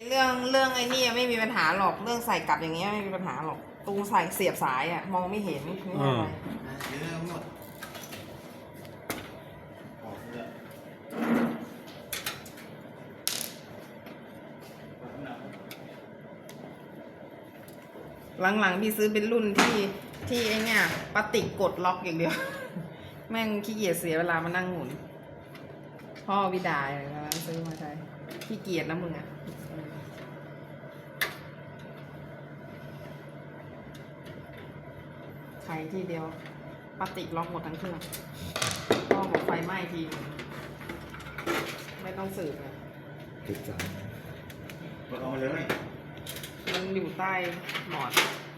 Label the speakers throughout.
Speaker 1: เรื่องไอ้นี่ไม่มีปัญหาหรอกเรื่องใส่กลับอย่างเงี้ยไม่มีปัญหาหรอกตรงใส่เสียบสายอ่ะมองไม่เห็นไม่เป็นไรหลังๆพี่ซื้อเป็นรุ่นที่ไอ้เนี่ยพลาสติกกดล็อกอย่างเดียวแม่งขี้เกียจเสียเวลามานั่งหมุนพ่อวิดาเลยนะซื้อมาใช้ขี้เกียจนะมึงอ่ะใช้ทีเดียวพลาสติกล็อกหมดทั้งเครื่องพ่อบอกไฟไหม้ทีไม่ต้องสืบเลย
Speaker 2: ติดสาย
Speaker 3: กดเอามาเลย
Speaker 1: มันอยู่ใต้หมอน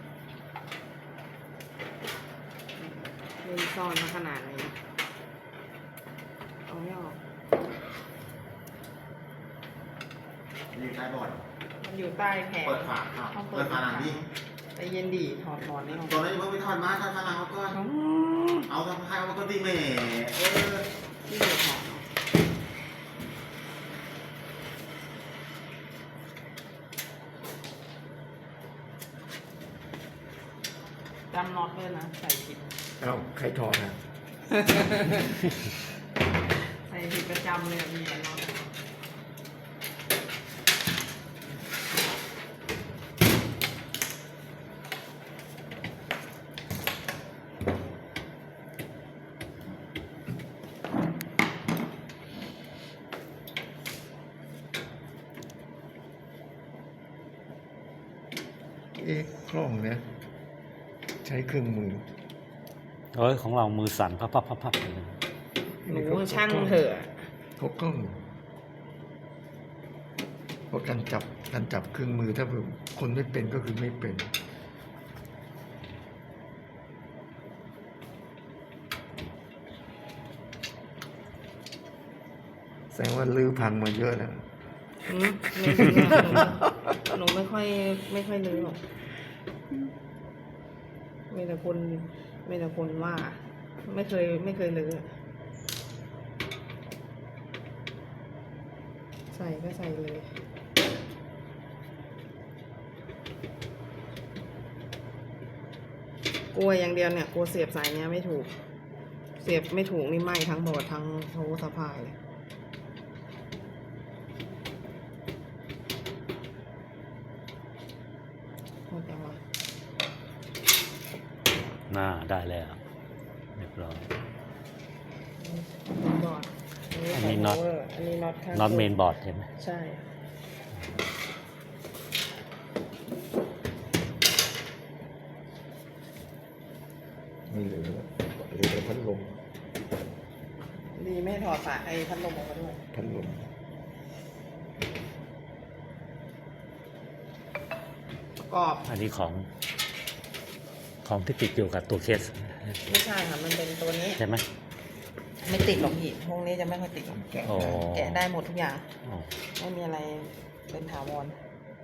Speaker 1: เล่นซ่อนมาขนาดนี้เอาไม่ออก
Speaker 3: อยู่ใต้บอร์ด
Speaker 1: มันอยู่ใต้แผง
Speaker 3: เปิดฝาเปิดฝาหลังดิ
Speaker 1: ไปเย็นดีถอดหมอนนี่ออก
Speaker 3: ตัวนี้เพิ่งไปถอดมาถอดฝาหลังเอาก่อนเอาทำให้เอาก็ตีเมย์
Speaker 1: ที่เดือดหอมจำน็อตด้วยนะใส่ผิด
Speaker 2: เอาใครถอดนะ
Speaker 1: ใส่ผิดประจำเลยมีแต่น็อต
Speaker 2: คล่องเนี่ยใช้เครื่องมือ
Speaker 4: ของเรามือสั่นพับ
Speaker 1: หนูช่างเถอะ
Speaker 2: เขากล้องเพราะการจับเครื่องมือถ้าคนไม่เป็นก็คือไม่เป็นแสดงว่าลื้อพังมาเยอะแล้ว
Speaker 1: หนูไม่ค่อยลื้อหรอกมีแต่คนว่าไม่เคยลื้อใส่ก็ใส่เลยกลัวอย่างเดียวเนี่ยกลัวเสียบสายเนี้ยไม่ถูกเสียบไม่ถูกนี่ไหม้ทั้งบอร์ดทั้งโทรสะพายเลย
Speaker 4: ได้แล้วเรียบร้อย
Speaker 1: อันนี้น็อ
Speaker 4: ตเมนบอร์ดเห็นไหม
Speaker 1: ใช่
Speaker 2: ไม่เหลือพัดลม
Speaker 1: ดีไม่ถอดฝาไอ้พัดลมออกมาด้วย
Speaker 2: พัดลม
Speaker 1: ประกอบ
Speaker 4: อันนี้ของที่ติดอยู่กับตัวเคส
Speaker 1: ไม่ใช่ค่ะมันเป็นตัวนี้
Speaker 4: ใช่ไหม
Speaker 1: ไม่ติดหรอกพี่พวกนี้จะไม่ค่อยติดแกะได้หมดทุกอย่างไม่มีอะไรเป็นถาวร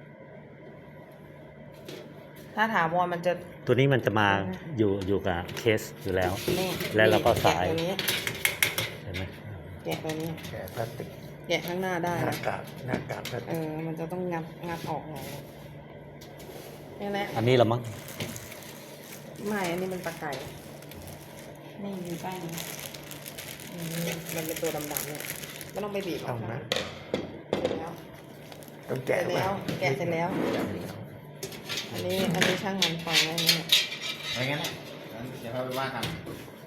Speaker 1: ถ้าถาวรมันจะ
Speaker 4: ตัวนี้มันจะมาอยู่กับเคสอยู่แล้วแล้วเราก็สาย
Speaker 1: ตัวนี้
Speaker 4: เห็นไหม
Speaker 1: แกะตัวนี้
Speaker 2: แกะพลาสติก
Speaker 1: แกะข้างหน้าได้
Speaker 2: หน้ากาก
Speaker 1: มันจะต้องงัดออกไงนี่แหละ
Speaker 4: อันนี้ละมั้ง
Speaker 1: ไม่อันนี้มันปลาไก่นี่อยู่ใต้นี้มันเป็นตัวดำๆเนี่ยไม่ต้องไปบีบออกนะแล้ว
Speaker 2: ต้องแกะ
Speaker 1: แล้วแกะเสร็จแล้วอันนี้ช่างมันปล่อยไว้เนี่ย
Speaker 3: อะไรเงี้ยเดี๋ยวเราไปว่ากัน